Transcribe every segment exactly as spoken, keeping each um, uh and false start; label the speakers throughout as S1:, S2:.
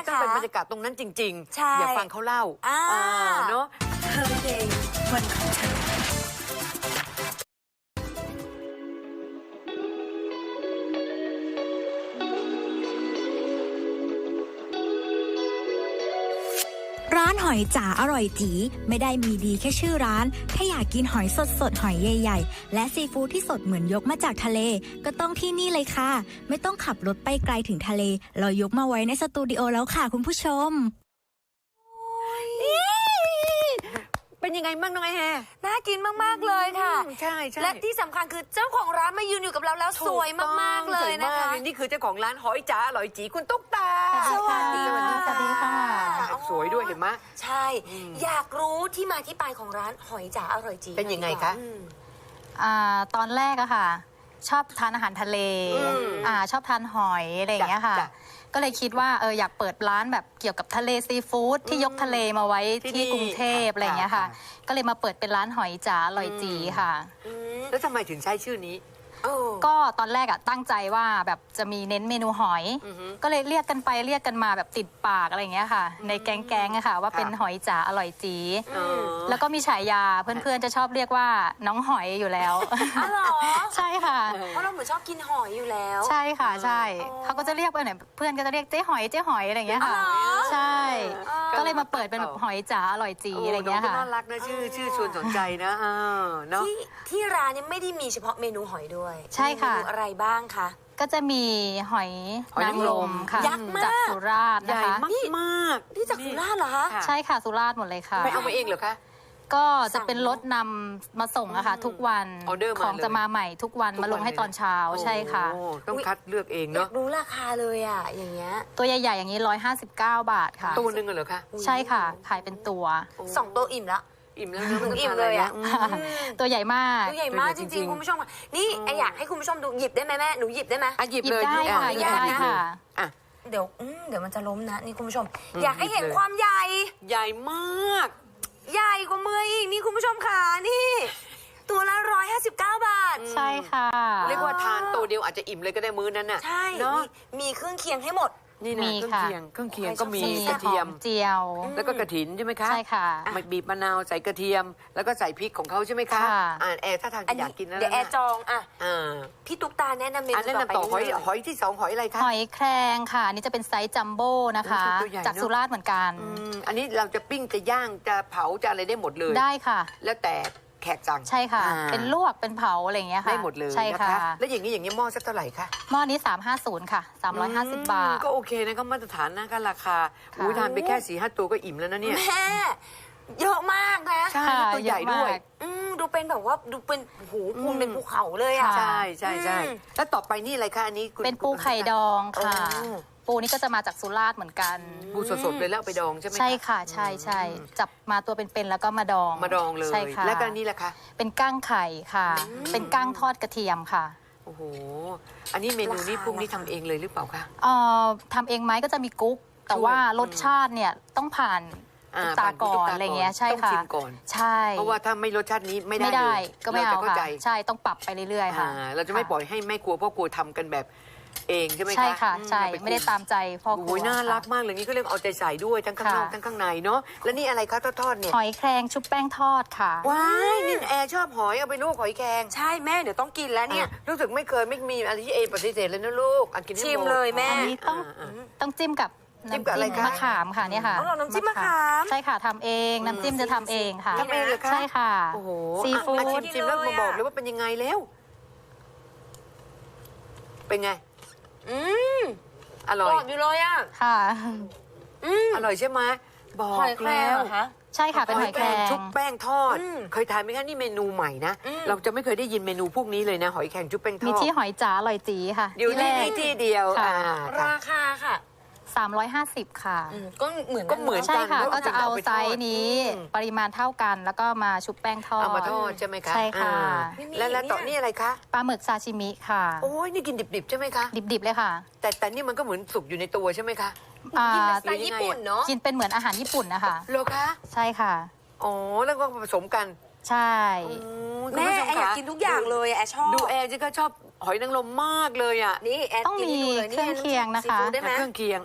S1: ต้องเป็นบรรยากาศตรงนั้นจริงๆ
S2: ใช่
S1: อย่าฟังเขาเล่าอ่าเนาะ
S2: Her Day วันของเธอร้านหอยจ๋าอร่อยจีไม่ได้มีดีแค่ชื่อร้านถ้าอยากกินหอยสดสดหอยใหญ่ๆและซีฟู้ดที่สดเหมือนยกมาจากทะเลก็ต้องที่นี่เลยค่ะไม่ต้องขับรถไปไกลถึงทะเลเรายกมาไว้ในสตูดิโอแล้วค่ะคุณผู้ชม
S1: เป็นยังไงบ้างน้องไอแฮ
S2: น่ากินมากๆเลยค่ะ
S1: ใช่ใช่
S2: และที่สำคัญคือเจ้าของร้านมายืนอยู่กับเราแล้วสวยมากๆเลยนะคะ
S1: นี่คือเจ้าของร้านหอยจ๋าอร่อยจีคุณตุ๊กตา
S2: สวัสดีค่ะ
S3: สวัสดีค่ะ
S1: สวยด้วยเห็นไหม
S2: ใช่อยากรู้ที่มาที่ไปของร้านหอยจ๋าอร่อยจี
S1: เป็นยังไงคะ
S3: อ่าตอนแรกอะค่ะชอบทานอาหารทะเลอ่าชอบทานหอยอะไรอย่างเงี้ยค่ะก็เลยคิดว่าเอออยากเปิดร้านแบบเกี่ยวกับทะเลซีฟู้ดที่ยกทะเลมาไว้ที่กรุงเทพอะไรอย่างเงี้ยค่ะก็เลยมาเปิดเป็นร้านหอยจ๋าอร่อยจีค่ะ
S1: แล้วทำไมถึงใช้ชื่อนี้
S3: ก็ตอนแรกอะตั้งใจว่าแบบจะมีเน้นเมนูหอยก็เลยเรียกกันไปเรียกกันมาแบบติดปากอะไรอย่างเงี้ยค่ะในแก๊งๆอะค่ะว่าเป็นหอยจ๋าอร่อยจีแล้วก็มีฉายาเพื่อนๆจะชอบเรียกว่าน้องหอยอยู่แล้ว
S2: อ๋อเหรอ
S3: ใช่ค่ะ
S2: เพราะเราเหมือนชอบกินหอยอยู่แล้ว
S3: ใช่ค่ะใช่เขาก็จะเรียกไปไหนเพื่อนก็จะเรียกเจ๊หอยเจ๊หอยอะไรอย่างเงี้ยค่ะใช่ก็เลยมาเปิดเป็นหอยจ๋าอร่อยจีอะไรอย่างเงี้ยค่ะ
S1: น่ารักนะชื่อชื่อชวนสนใจนะเนาะ
S2: ที่ที่ร้านนี้ไม่ได้มีเฉพาะเมนูหอยด้วย
S3: ใช่ค่ะ
S2: อะไรบ้างคะ
S3: ก็จะมีหอยนางรมค่ะ
S2: ยักษ์มาก
S3: จากสุราษฎร์นะคะ
S1: ใหญ่มาก
S2: ๆนี่จากสุราษฎร์เหรอคะ
S3: ใช่ค่ะสุราษฎร์หมดเลยค่ะ
S1: ไปเอามาเองเหรอคะ
S3: ก็จะเป็นรถนำมาส่งอะค่ะทุกวันของจะมาใหม่ทุกวันมาลงให้ตอนเช้าใช่ค่ะ
S1: ต้องคัดเลือกเองเนาะ
S2: รู้ราคาเลยอะอย่างเงี้ย
S3: ตัวใหญ่ๆอย่างนี้ร้อยห้าสิบเก้าบาทค่ะ
S1: ตัวหนึ่งเหรอคะ
S3: ใช่ค่ะขายเป็นตัว
S2: สองตัวอิ่มละ
S1: อิ่มแล้ว
S2: หนูอิ่มเลยอ่ะ
S3: ตัวใหญ่มาก
S2: ตัวใหญ่มากจริงๆคุณผู้ชมนี่อยากให้คุณผู้ชมดูหยิบได้ไหมแม่หนูหยิบได้ไหม
S1: หยิบเลย
S3: ได้ค่ะหยิบได้ค่ะ
S2: เดี๋ยวเดี๋ยวมันจะล้มนะนี่คุณผู้ชมอยากให้เห็นความใหญ่
S1: ใหญ่มาก
S2: ใหญ่กว่ามืออีกนี่คุณผู้ชมค่ะนี่ตัวละร้อยห้าสิบเก้าบาท
S3: ใช่ค่ะ
S1: เรียกว่าทานตัวเดียวอาจจะอิ่มเลยก็ได้มื้อนั้นน่ะ
S2: ใช่มีเครื่องเคียงให้หมด
S1: นี่นะเครื่องเคียงเครื่องเคียงก็มีกระเทียม
S3: เจียว
S1: แล้วก็กระถินใช่ไหมคะ
S3: ใช่ค่ะ
S1: บีบมะนาวใส่กระเทียมแล้วก็ใส่พริกของเขาใช่ไหมคะอ่าแอร์ถ้าทานอยากกินนะ
S2: เดี๋ยวแอร์จองอ่ะพี่ตุ๊กตาแนะนำเมนู
S1: แนะนำต่อหอยหอยที่สองหอยอะไรคะ
S3: หอยแครงค่ะนี่จะเป็นไซส์จัมโบ้นะคะจากสุราษฎร์เหมือนกัน
S1: อันนี้เราจะปิ้งจะย่างจะเผาจะอะไรได้หมดเลย
S3: ได้ค่ะ
S1: แล้วแต่แขกสั่ง
S3: ใช่ค่ะเป็นลวกเป็นเผาอะไรอย่างเงี้ยค่ะ
S1: ได้หมดเลย
S3: ใช่ค่ะ
S1: แล้วอย่างนี้อย่างนี้หม้อสักเท่าไหร่คะ
S3: หม้อนี้สามห้าศูนย์ค่ะสามร้อยห้าสิบบาท
S1: ก็โอเคนะก็มาตรฐานนะก็ราคาอุ้ยทานไปแค่สี่ห้าตัวก็อิ่มแล้วนะเนี่ย
S2: แม่เยอะมากนะ
S1: ใช่ตัวใหญ่ด้วย
S2: อืมดูเป็นแบบว่าดูเป็นหูคูณเป็นภูเขาเลยอ่ะ
S1: ใช่ใช่ใช่แล้วต่อไปนี่อะไรคะอันนี้
S3: เป็นปูไข่ดองค่ะปูนี่ก็จะมาจากสุราษฎร์เหมือนกัน
S1: ปูสดๆเลยแล้วไปดองใช่ไหม
S3: ใช่ค่ะใช่ใช่จับมาตัวเป็นๆแล้วก็มาดอง
S1: มาดองเลย
S3: ใช่ค่ะ
S1: แล้วก็นี่แหละคะ
S3: เป็นก้างไข่ค่ะเป็นก้างทอดกระเทียมค่ะ
S1: โอ้โหอันนี้เมนูนี้พวกนี้ทำเองเลยหรือเปล่าคะ
S3: เอ่อทำเองไหมก็จะมีกุ๊กแต่ว่ารสชาติเนี่ยต้องผ่านตาก่อนอะไรเงี้ยใช่ค่ะ
S1: ต้องชิมก่อน
S3: ใช่
S1: เพราะว่าถ้าไม่รสชาตินี้ไม่ได้เลย
S3: ก็ไม่เอาค่ะใช่ต้องปรับไปเรื่อยๆค่ะ
S1: เราจะไม่ปล่อยให้แม่ครัวพ่อครัวทำกันแบบเองใช่ไหมคะ
S3: ใช่ค่ะใช่ไม่ได้ตามใจพ่อครัว
S1: โอ้ยน่ารักมากเลยนี่ก็เรียกเอาใจใส่ด้วยทั้งข้างนอกทั้งข้างในเนาะแล้วนี่อะไรคะทอดๆเนี่ย
S3: หอยแครงชุบแป้งทอดค่ะ
S1: ว้ายนี่แอร์ชอบหอยเอาไปลวกหอยแครง
S2: ใช่แม่เดี๋ยวต้องกินแล้วเนี่ย
S1: รู้สึกไม่เคยไม่มีอะไรที่เอปฏิเสธเลยนะลูกอันกิน
S2: ชิมเลยแม่
S3: อันนี้ต้องต้องจิ้มกับ
S1: จิ้มกับอะไรคะ
S3: มะขามค่ะเนี่ยค่ะ
S2: น้ำจิ้มมะขาม
S3: ใช่ค่ะทำเองน้ำจิ้มจะทำเองค่ะ
S1: ทำเองเลยค่ะ
S3: ใช่ค่ะ
S1: โอ้โห
S3: ซีฟู้ด
S1: ชิมแล้วมาบอกเลยว่าเป็นยังไงแล้วเป็นไง
S2: อืม
S1: อร่อย
S2: อยู่เลยอ่ะ
S3: ค่ะ
S1: อืมอร่อยใช่ไหมบอกแล้ว
S3: ใช่ค่ะเป็นหอยแครง
S1: ชุบแป้งทอดเคยทานไหมคะนี่เมนูใหม่นะเราจะไม่เคยได้ยินเมนูพวกนี้เลยนะหอยแครงชุบแป้งทอด
S3: มีที่หอยจ๋าอร่อยจีค่ะ
S1: อยู่ที่นี่ที่เดียว
S2: ราคาค่ะ
S3: สามร้อยห้าสิบค่ะ
S2: ก็เหมือน
S1: ก็เหมือน
S3: ใช่ค่ะก็จะเอาไซส์นี้ปริมาณเท่ากันแล้วก็มาชุบแป้งทอด
S1: เอามาทอดใช่ไหมคะ
S3: ใช่ค่ะ
S1: แล้วแล้วต่อนี่อะไรคะ
S3: ปลาหมึกซาชิมิค่ะ
S1: โอ้ยนี่กินดิบๆใช่ไหมคะ
S3: ดิบๆเลยค่ะ
S1: แต่แต่นี่มันก็เหมือนสุกอยู่ในตัวใช่ไหมคะ
S2: กินเป็นสไตล์ญี่ปุ่นเนาะ
S3: กินเป็นเหมือนอาหารญี่ปุ่นนะคะ
S1: เหรอคะ
S3: ใช่ค่ะ
S1: อ๋อแล้วก็ผสมกัน
S3: ใช่
S2: แม่แอร์อยากกินทุกอย่างเลยแอร์ชอบ
S1: ดูแอร์จิก็ชอบหอยนางรมมากเลยอ่ะ
S2: นี่แอร์
S3: ต้องมีเครื่องเคียงนะคะ
S1: เครื่องเคียงอ่ะ
S2: ซ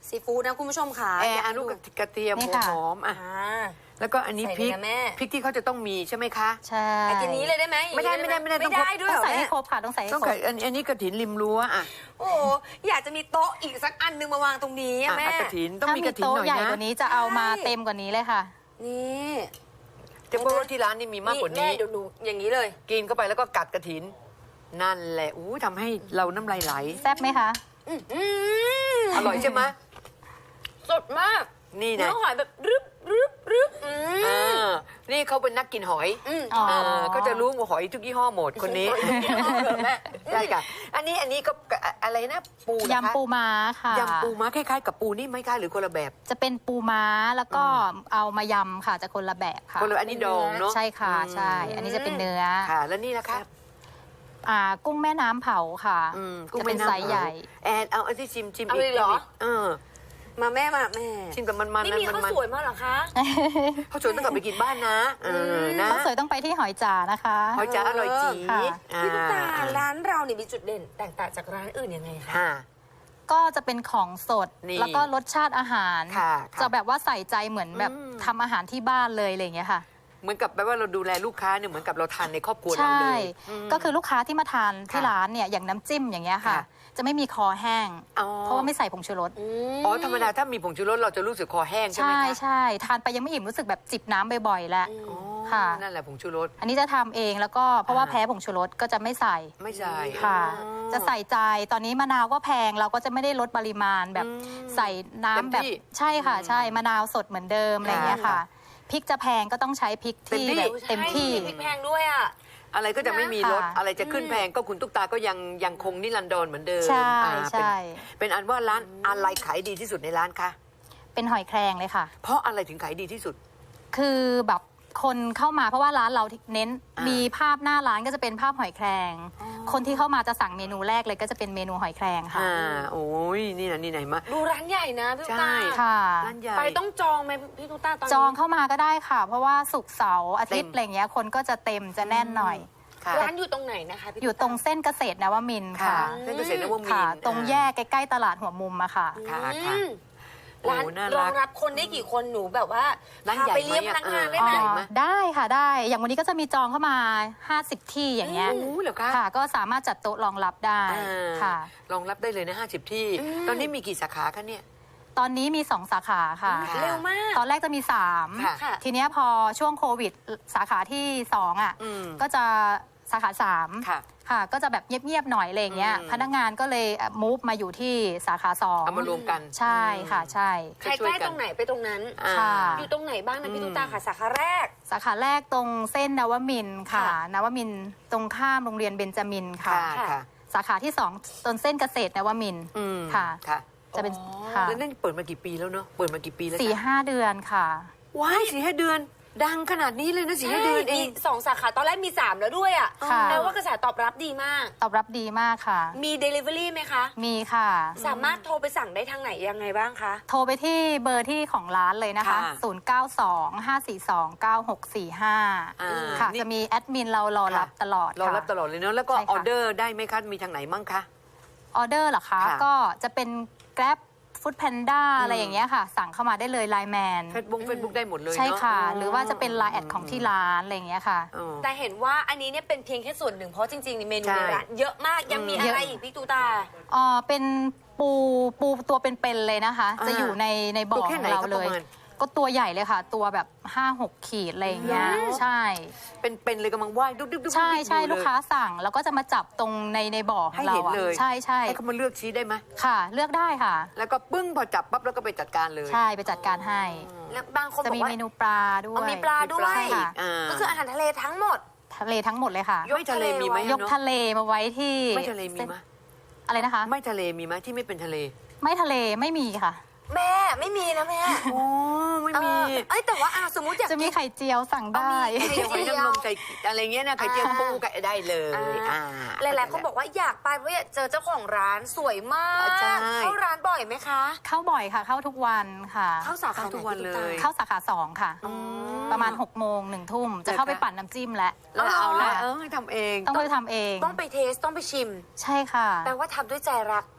S4: ซีฟู้ดนะคุณผู้ชมค่ะ
S1: แอ
S4: อยาก
S1: ร์อ
S4: ให้
S1: นุ
S4: ดู
S1: กระเทียม
S3: นี่
S1: หัว
S3: ค่ะ
S1: หอมอ่ะ
S4: อ่า
S1: แล้วก็อันนี้
S4: ใส่
S1: พริก
S4: เลยนะแม่
S1: พริกที่เขาจะต้องมีใช่ไหมคะ
S3: ใช่
S4: ไอ้ทีนี้เลยได้ไหม
S1: ไม่ได้ไม่ได้ไม่ได้
S4: ไม่ได้ด้วย
S3: ต้
S4: เห
S3: อง
S4: รอ
S3: ใส่ให้
S4: แม่
S3: ครบค่ะต้องใส่ให้
S1: ต้อง
S3: คร
S1: ไก่
S3: บ
S1: อันอันนี้กระถินริมรั้วอ่ะ
S4: โอ้โหอยากจะมีโต๊ะอีกสักอันนึงมาวางตรงนี้อะ
S1: อ่ะ
S4: แม่
S1: อ่ะกระถินต้อง
S3: ถ้า
S1: มี
S3: มี
S1: กระถิน
S3: โต๊ะ
S1: หน่อย
S3: ใหญ่
S1: นะ
S3: กว่านี้จะเอามา
S4: ใช่
S3: เต็มกว่านี้เลยค่ะ
S4: นี่
S1: จะบอกว่าที่ร้านนี่มีมากกว่า
S4: แม่
S1: นี้
S4: เดี๋ยวหนูอย่างนี้เลย
S1: กินเข้าไปแล้วก็กัดกระถิน นั่นแหละอู้ทำให้เราน้ำลายไหล
S3: แซ่บไหมคะ
S4: อืมอืม
S1: อร่อยใช่ไหม
S4: สดมาก
S1: นี่
S4: เนื้
S1: นะ
S4: อหอยแบบรึบรึบรึบอืม
S1: อ่านี่เขาเป็นนักกินหอย
S4: อืม
S3: อ๋อ
S1: เออเขาจะรู้ว่าหอยทุกยี่ห้อหมดคนนี้
S4: แม่
S1: ใช่ค่ะ อันนี้อันนี้ก็อะไรนะปูเหรอคะ
S3: ยำปูม้าค่ะ
S1: ยำปูม้าคล้ายๆกับปูนี่ไหมคะหรือคนละแบบ
S3: จะเป็นปูม้าแล้วก็เอามายำค่ะจะคนละแบบค่ะ
S1: คนละอันนี้ดองเนาะ
S3: ใช่ค่ะ
S1: อืม
S3: ใช่ อันนี้จะเป็นเนื้อ
S1: ค่ะ แล้วนี่นะคะ
S3: อ่ากุ้งแม่น้ำเผาค่ะ
S1: อืม
S3: จะเป็นไซส์ใหญ่
S1: แอนเอาอันที่ชิมชิม
S4: เอาเลยเหรอ
S1: ชิมกเออ
S4: มาแม่มาแม่
S1: ชิมกับมันๆ
S4: นี่
S1: นะ
S4: มี
S1: มัน
S4: ข้าว
S1: มัน
S4: สวยมากเหรอคะ
S1: เขาวสวยต้องกลับไปกินบ้านนะเออนะ
S3: ข้าวสวยต้องไปที่หอยจ๋านะคะ
S1: หอยจ๋าอร่อยจี
S3: ค่ะ
S4: พี่ตุ๊กตา
S1: อ่
S4: ร้านเราเนี่ยมีจุดเด่นแตกต่างจากร้านอื่นยังไงคะ
S1: ค่ะ
S3: ก็จะเป็นของสด
S1: นี่
S3: แล้วก็รสชาติอาหาร
S1: ค่ะค่ะ
S3: จะแบบว่าใส่ใจเหมือนแบบ
S1: อืม
S3: ทำอาหารที่บ้านเลยอะไรอย่างเงี้ยค่ะ
S1: เหมือนกับแปลว่าเราดูแลลูกค้าเนี่ยเหมือนกับเราทานในครอบครัวเรา
S3: ใช่
S1: เลยม
S3: ก็คือลูกค้าที่มาทานที่
S1: ค่ะ
S3: ร้านเนี่ยอย่างน้ำจิ้มอย่างเงี้ยค่ะ
S1: ค่ะ
S3: จะไม่มีคอแห้ง
S1: อ๋อ
S3: เพราะว่าไม่ใส่ผงชูรส
S1: อ๋อธรรมดาถ้ามีผงชูรสเราจะรู้สึกคอแห้งใช่ไหม
S3: ใช่
S1: คะ
S3: ใช่ทานไปยังไม่อิ่มรู้สึกแบบจิบน้ำบ่อยๆแล้ว
S1: อ๋อ
S3: ค่ะ
S1: นั่นแหละผงชูรส
S3: อันนี้จะทำเองแล้วก็เพราะว่า
S1: อ่า
S3: แพ้ผงชูรสก็จะไม่ใส่
S1: ไม่ใช่
S3: ค่ะ
S1: อ๋อ
S3: จะใส่ใจตอนนี้มะนาวก็แพงเราก็จะไม่ได้ลดปริมาณแบบ
S1: อืม
S3: ใส่น้ำแบบ
S1: เต็มที่
S3: ใช่ค่ะ
S1: อืม
S3: ใช่มะนาวสดเหมือนเดิมอะไรอย่างเงี้ยค่ะ
S1: ค่ะ
S3: พริกจะแพงก็ต้องใช้พริกที่
S1: เต็มที่
S3: แบบเต็มที่
S4: ใช่พริกแพงด้วยอ่ะ
S1: อะไรก็จะไม่มีรส
S3: ค่ะ
S1: อะไรจะขึ้นแพงก็คุณตุ๊กตาก็ยังยังคงนิรันดรเหมือนเดิม
S3: ใช่
S1: อ่าเป็น
S3: ใช่
S1: เป็นอันว่าร้านอะไรขายดีที่สุดในร้านคะ
S3: เป็นหอยแครงเลยค่ะ
S1: เพราะอะไรถึงขายดีที่สุด
S3: คือแบบคนเข้ามาเพราะว่าร้านเราเน้น
S1: อ่ามี
S3: มีภาพหน้าร้านก็จะเป็นภาพหอยแครง คนที่เข้ามาจะสั่งเมนูแรกเลยก็จะเป็นเมนูหอยแครงค่ะ
S1: อ่าโอ้ยนี่นะนี่ไหนมา
S4: ดูร้านใหญ่นะพี่ตุ๊ก
S1: ใช่
S4: ตา
S3: ค่ะ
S1: ร้านใหญ่
S4: ไปต้องจองไหมพี่ตุ๊กตาตอนนี้
S3: จองเข้ามาก็ได้ค่ะ เพราะว่าศุกร์เสาร์อาทิตย์
S1: เต็ม
S3: อะไรเงี้ยคนก็จะเต็มจะแน่นหน่อย
S1: ค่ะ
S4: ร้านอยู่ตรงไหนนะคะพี่
S3: อยู่ตรงเส้นเกษตรนวมินทร์
S1: ค่ะ
S3: ค่ะ
S1: เส้นเกษตรนวมิน
S3: ค่ะ
S1: ทร์
S3: ตรงแยกใกล้ๆตลาดหัวมุมอะค่ะ
S1: ค่ะ
S4: อื
S1: ค่ะ
S4: มร้าน
S1: โอ้น่ารัก
S4: รองรับคนได้กี่คนหนูแบบว่า
S1: ร้าน
S4: พา
S1: ใหญ่
S4: ไปเลี้ยง
S1: ไหม
S4: พนักงาน
S1: เออ
S4: ได้
S3: อ๋
S4: ไหม
S1: ใหญ่
S3: อ
S1: ไหม
S3: ได้ค่ะได้ อย่างวันนี้ก็จะมีจองเข้ามาห้าสิบที่อย่างเงี้ย
S1: โอ้เหรอคะ
S3: ค่ะ ก็สามารถจัดโต๊ะรองรับได้
S1: อ่า
S3: ค่ะ
S1: รองรับได้เลยนะห้าสิบที่ ตอนนี้มีกี่สาขาคะเนี่ย
S3: ตอนนี้มีสองสาขาค่ะ
S1: ค่ะ
S4: เร็วมาก
S3: ตอนแรกจะมีสาม
S1: ค่ะ
S4: ค่ะ
S3: ทีเนี้ยพอช่วงโควิดสาขาที่สองอ่ะ
S1: อืม
S3: ก็จะสาขาสาม
S1: ค่ะ
S3: ค่ะ ก็จะแบบเงียบๆหน่อยอะไรอย่างเงี้ย
S1: อืม
S3: พนักงานก็เลยมูฟมาอยู่ที่สาขาสอง
S1: เอามารวมกัน
S3: ใช่ค่ะใช่
S4: ใครใกล้ตรงไหนไปตรงนั้น
S1: อ่า
S3: ค่ะ
S4: อยู่ตรงไหนบ้างนะพี่ตุ๊กตาค่ะสาขาแรก
S3: สาขาแรกตรงเส้นนวมินทร์ค่ะ
S4: ค่ะ
S3: นวมินทร์ตรงข้ามโรงเรียนเบญจมินทร์ค่ะ
S1: ค่ะค่ะ
S3: สาขาที่สองตรงเส้นเกษตรนวมินทร์
S1: อืม
S3: ค่ะ
S1: ค่ะ
S3: จะเป็น
S4: อ๋อ
S3: ค่ะ
S1: แล้วนั่นเปิดมากี่ปีแล้วเนาะเปิดมากี่ปีแล้ว
S3: สี่
S1: จ๊ะ
S3: ห้าเดือนค่ะ
S1: ว้ายสี่ห้าเดือน ดังขนาดนี้เลยนะสี่ห้าเดือนเอง
S4: มีสองสาขาตอนแรกมีสามแล้วด้วยอ่ะ
S3: ค่ะ
S4: แปลว่ากระแสตอบรับดีมาก
S3: ตอบรับดีมากค่ะ
S4: มี Delivery ไหมคะ
S3: มีค่ะ
S4: สามารถโทรไปสั่งได้ทางไหนยังไงบ้างคะ
S3: โทรไปที่เบอร์ที่ของร้านเลยนะคะ
S1: ค่ะ
S3: ศูนย์ เก้า สอง ห้า สี่ สอง เก้า หก สี่ ห้า
S1: อ่า
S3: ค่ะ
S1: นี่
S3: จะมีแอดมินเรารอรับตลอด
S1: รอ
S3: ค่ะ
S1: รับตลอดเลยเนาะแล้วก็
S3: ใช่ค่ะ
S1: ออเดอร์ได้ไหมคะมีทางไหนมั่งคะ
S3: ออเดอร์เหรอคะ
S1: ค่ะ
S3: ก็จะเป็น Grab Food Panda อะไรอย่างเงี้ยค่ะ สั่งเข้ามาได้เลยไลน์แมน
S1: เฟซบุ๊กเฟซบุ๊กได้หมดเลย
S3: ใช่
S1: เนาะ
S3: ค่ะ หรือว่าจะเป็นไลน์แอดของที่ร้านอะไรอย่างเงี้ยค่ะ
S1: อ๋อ
S4: แต่เห็นว่าอันนี้เนี่ยเป็นเพียงแค่ส่วนหนึ่งเพราะจริงๆในเมนู
S1: ใช่
S4: ในร้านเยอะมากยังมี
S1: อืม
S4: อะไรอีกพี่ตูตา
S3: อ๋อเป็นปูปูตัวเป็นๆเลยนะคะ
S1: อ่า
S3: จะอยู่ในในบ่
S1: ตัว
S3: อ
S1: แค่
S3: ข
S1: ไหน
S3: องเรา
S1: ครับ
S3: เล
S1: ประ
S3: ย
S1: มาณ
S3: ก็ตัวใหญ่เลยค่ะ ตัวแบบห้าหกขีดอะไรอย่างเงี้ย
S1: เหรอ
S3: ใช่
S1: เป็นเป็นเลยกำลังว่ายดุ๊บดุ๊บดุ๊บ
S3: ใช่ใช่
S1: อยู่เย
S3: ลูกค้าสั่งแล้วก็จะมาจับตรงในในบ่อขอ
S1: ให้
S3: งเรา
S1: เห็น
S3: อะ
S1: เลย
S3: ใช่ใช่
S1: ให้เขามาเลือกชี้ได้ไหม
S3: ค่ะ เลือกได้ค่ะ
S1: แล้วก็ปึ้งพอจับปั๊บแล้วก็ไปจัดการเลย
S3: ใช่ไปจัดการให้
S4: แล้วบางคน
S3: จะ
S4: บอ
S3: มี
S4: กว่า
S3: เมนูปลาด้ว
S4: เอา
S3: ย
S4: มีปลาด้วย
S3: ใช่ค่ะ
S1: อ่า
S4: ก็คืออาหารทะเลทั้งหมด
S3: ทะเลทั้งหมดเลยค่ะ
S1: ไม่ทะเลมีไหม
S3: ยกทะเลมาไว้ที่
S1: ไม่ทะเลมีไหม
S3: อะไรนะคะ
S1: ไม่ทะเลมีไหมที่ไม่เป็นทะเล
S3: ไม่ทะเลไม่มีค่ะ
S4: แม่ไม่มีนะแม่
S1: โอ้ไม่
S4: เอ
S1: มี
S4: อเอ้ยแต่ว่าอ่ะสมมติอยาก
S3: จะมี
S4: กิน
S3: ไข่เจียวสั่งได้
S4: เอามี
S1: ไข่เจียวไข่นางรมใส่อะไรเงี้ยนะไข่เจียว
S4: อ่า
S1: ปูไก่ได้เลย
S4: อ่า
S1: อ่า
S4: หลายๆคนบอกว่าอยากไปเพราะอยากเจอเจ้าของร้านสวยมาก
S1: ใช่
S4: เข้าร้านบ่อยไหมคะ
S3: เข้าบ่อยค่ะ เข้าทุกวันค่ะ
S4: เข้าสาขา
S1: เข้าทุกวันเลย
S3: เข้าสาขาสองค่ะ
S1: อืม
S3: ประมาณหกโมงหนึ่งทุ่มจะเข้าไปปั่นน้ำจิ้มแล้ว
S1: แล้วเอาละ
S3: ค่ะ
S1: เออทำเอง
S3: ต้องไปทำเอง
S4: ต้องไปเทสต้องไปชิม
S3: ใช่ค่ะ
S4: แปลว่าทำด้วยใจรัก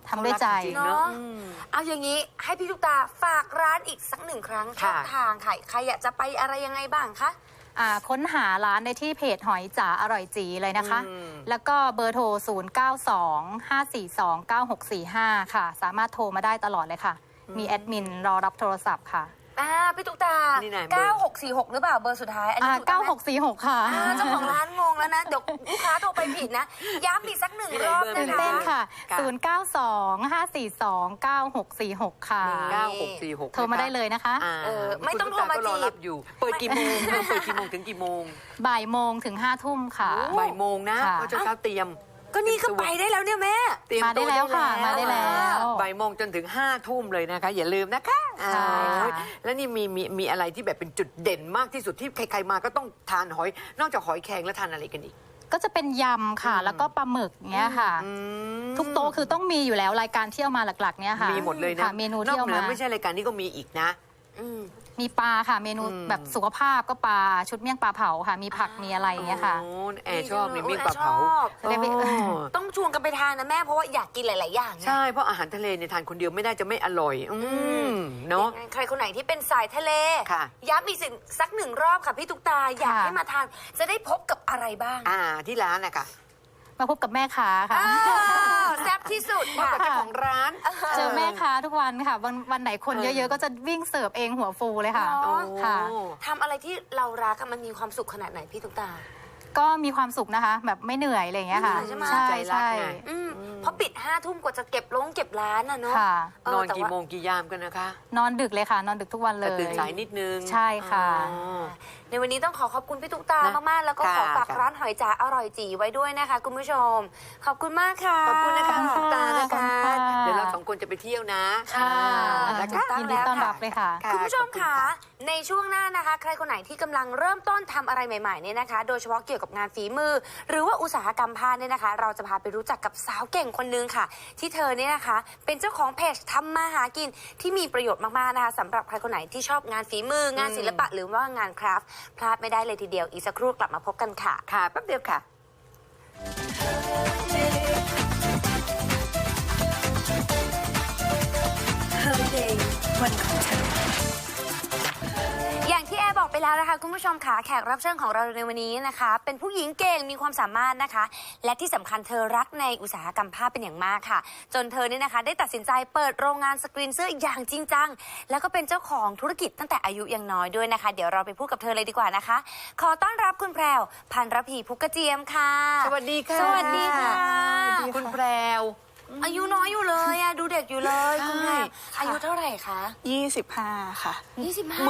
S3: ทำด้วยใจ
S1: เขารักจริงๆเนอะ
S4: เนาะ
S1: อืม
S4: เอาอย่างนี้ให้พี่ตุ๊กตาฝากร้านอีกสักหนึ่งครั้งช่
S1: ค่ะ
S4: องทางค่ะใครอยากจะไปอะไรยังไงบ้างคะ
S3: อ่าค้นหาร้านได้ที่เพจหอยจ๋าอร่อยจีเลยนะคะ
S1: อืม
S3: แล้วก็เบอร์โทร ศูนย์ เก้า สอง ห้า สี่ สอง เก้า หก สี่ ห้า ค่ะ สามารถโทรมาได้ตลอดเลยค่ะ มีแอดมินรอรับโทรศัพท์ค่ะ
S4: อ่าพี่ตุ๊กตา
S1: นี่ไหนเบอร์
S4: เก้าหกสี่หกหรือเปล่าเบอร์สุดท้ายอัน
S3: อ่า
S4: นี้ถูกต้องไหม
S3: เก้าหกสี่หก ค่ะ
S4: อ่าเจ้าของร้านงงแล้วนะ เดี๋ยวลูกค้าโทรไปผิดนะ ย้ำอีกสักหนึ่งรอบ
S1: เบอร์
S3: ตื่
S4: นะ
S3: น
S4: คะ
S3: เต้นค่ะ
S1: ค่ะ
S3: ศูนย์ เก้า สอง ห้า สี่ สอง เก้า หก สี่ หก ค่ะ
S1: เก้าหกสี่หก
S3: โทรมาได้เลยนะคะ
S1: อ่า
S4: เออไม่ต้องโทรมา
S1: คุณตุ๊กตก็รอ
S4: จีบ
S1: รับอยู่ เปิดกี่โมงเริ่มเปิดกี่โมงถึงกี่โมง
S3: บ่ายโมงถึงห้าทุ่มค่ะ
S1: บ่ายโมงนะ
S3: ค่ะ
S1: เพราะเช้าๆเตรียม
S4: ก็นี่ก็ไปได้แล้วเนี่ยแม่
S1: เตรียม
S3: มาได้
S1: ตัว
S3: แล้วค่ะ มาได้แล้ว
S1: บ่ายโมงจนถึงห้าทุ่มเลยนะคะ อย่าลืมนะคะ
S3: ใช่ค่ะ
S1: อ่าแล้วนี่มีมีมีอะไรที่แบบเป็นจุดเด่นมากที่สุดที่ใครๆมาก็ต้องทานหอย นอกจากหอยแครงแล้วทานอะไรกันอีก
S3: ก็จะเป็นยำค่ะ แล้วก็ปลาหมึกเนี้ยค่ะ
S1: อืม
S3: ทุกโต๊ะคือต้องมีอยู่แล้วรายการที่เอามาหลักๆเนี้ยค่ะ
S1: มีหมดเลยนะ
S3: ค่เมนู
S1: นอ
S3: ที่
S1: ก
S3: เอา
S1: เหนื
S3: มา
S1: อไม่ใช่รายการนี้ก็มีอีกนะ
S4: อืม
S3: มีปลาค่ะ เมนู
S1: อืม
S3: แบบสุขภาพก็ปลาชุดเมี่ยงปลาเผาค่ะ มีผักมีอะไรอย่างเงี้ยค่ะ
S1: โอ้แอร์ชอบมีมิ่งปลาเผา
S4: ชอบ
S1: โอ้
S4: ต้องชวนกันไปทานนะแม่เพราะว่าอยากกินหลาย ๆ อย่างนะ
S1: ใช่เพราะอาหารทะเลเนี่ยทานคนเดียวไม่ได้จะไม่อร่อย อืมเนาะ
S4: ใครคนไหนที่เป็นสายทะเล
S1: ค่ะ
S4: ย้ำอีกสิ่งสักหนึ่งรอบค่ะพี่ตุ๊กตาอยาก
S3: ค่ะ
S4: ให้มาทานจะได้พบกับอะไรบ้าง
S1: อ่าที่ร้านนะคะ
S3: มาพบกับแม่ค้าค่ะ
S4: อ้าวแซ่บที่สุด
S1: พบ
S4: ค่ะ
S1: กับเจ้าของร้าน
S3: เจอแม่ค้าทุกวันค่ะ วันวันไหนคน
S1: เออ
S3: เยอะๆ ก็จะวิ่งเสิร์ฟเองหัวฟูเลยค่ะ
S4: อ๋อ
S3: ค่ะ
S4: ทำอะไรที่เรารักอะมันมีความสุขขนาดไหนพี่ตุ๊กตา
S3: ก็มีความสุขนะคะ แบบไม่เหนื่อยอะไรอย่างเงี้ยค่ะ
S4: ไม่เหนื่อยใช่ไหม
S3: ใช่
S1: ใจรัก
S3: ใช่
S1: ไง
S4: อืมเพราะปิดห้าทุ่มกว่าจะเก็บลงเก็บร้านอะเนาะ
S3: ค่ะ
S4: เ
S1: นอน
S4: แต่
S1: กี่
S4: ว่า
S1: โมงกี่ยามกันนะคะ
S3: นอนดึกเลยค่ะ นอนดึกทุกวันเล
S1: แต่
S3: ย
S1: ตื่นสายนิดนึง
S3: ใช่ค่ะ
S1: อ๋อ
S4: ในวันนี้ต้องขอขอบคุณพี่ตุ๊กตา
S1: นะ
S4: มากๆ แล้วก็ขอ
S1: ค่ะ
S4: ฝาก
S1: ค่ะ
S4: ร้านหอยจ๋าอร่อยจีไว้ด้วยนะคะ คุณผู้ชม ขอบคุณมากค่ะ
S1: ขอบคุณนะคะ
S3: ขอบคุณ
S1: ตานะ
S3: ขอบ
S1: คะ
S3: คุณค่ะ
S1: เดี๋ยวเราสองคนจะไปเที่ยวนะ
S3: ค่ะ
S1: อ่านะคะ
S3: ยินดีต้อนรับเลยค่ะ
S1: ค่ะ
S4: คุณผู้ชม
S1: ขอบ
S4: ค่ะ
S1: ค่ะ
S4: ในช่วงหน้านะคะ ใครคนไหนที่กำลังเริ่มต้นทำอะไรใหม่ๆเนี่ยนะคะ โดยเฉพาะเกี่ยวกับงานฝีมือ หรือว่าอุตสาหกรรมผ้าเนี่ยนะคะ เราจะพาไปรู้จักกับสาวเก่งคนนึงค่ะ ที่เธอเนี่ยนะคะ เป็นเจ้าของเพจทำมาหากินที่มีประโยชน์มากๆนะคะสำหรับใครคนไหนที่ชอบงานฝีมืองานศิลปะหรือว่างานคราฟต์พลาดไม่ได้เลยทีเดียวอีกสักครู่กลับมาพบกันค่ะ
S1: ค่ะแป๊บเดียวค่ะ
S4: อย่างที่แอร์บอกไปแล้วนะคะคุณผู้ชมค่ะแขกรับเชิญของเราในวันนี้นะคะ เป็นผู้หญิงเก่งมีความสามารถนะคะ และที่สำคัญเธอรักในอุตสาหกรรมผ้าเป็นอย่างมากค่ะ จนเธอเนี่ยนะคะ ได้ตัดสินใจเปิดโรงงานสกรีนเสื้ออย่างจริงจังแล้วก็เป็นเจ้าของธุรกิจตั้งแต่อายุยังน้อยด้วยนะคะ เดี๋ยวเราไปพูดกับเธอเลยดีกว่านะคะ ขอต้อนรับคุณแพรวพันรพีพุกกระเจียมค่ะ
S1: สวัสดีค่ะ
S4: สวัสดีค่ะ
S1: คุณแพรว
S4: อายุน้อยอยู่เลยอะดูเด็กอยู่เลยคุณแพรวอายุเท่าไหร่คะ
S5: ยี่สิบห้าค่ะ
S4: ยี่สิบห้า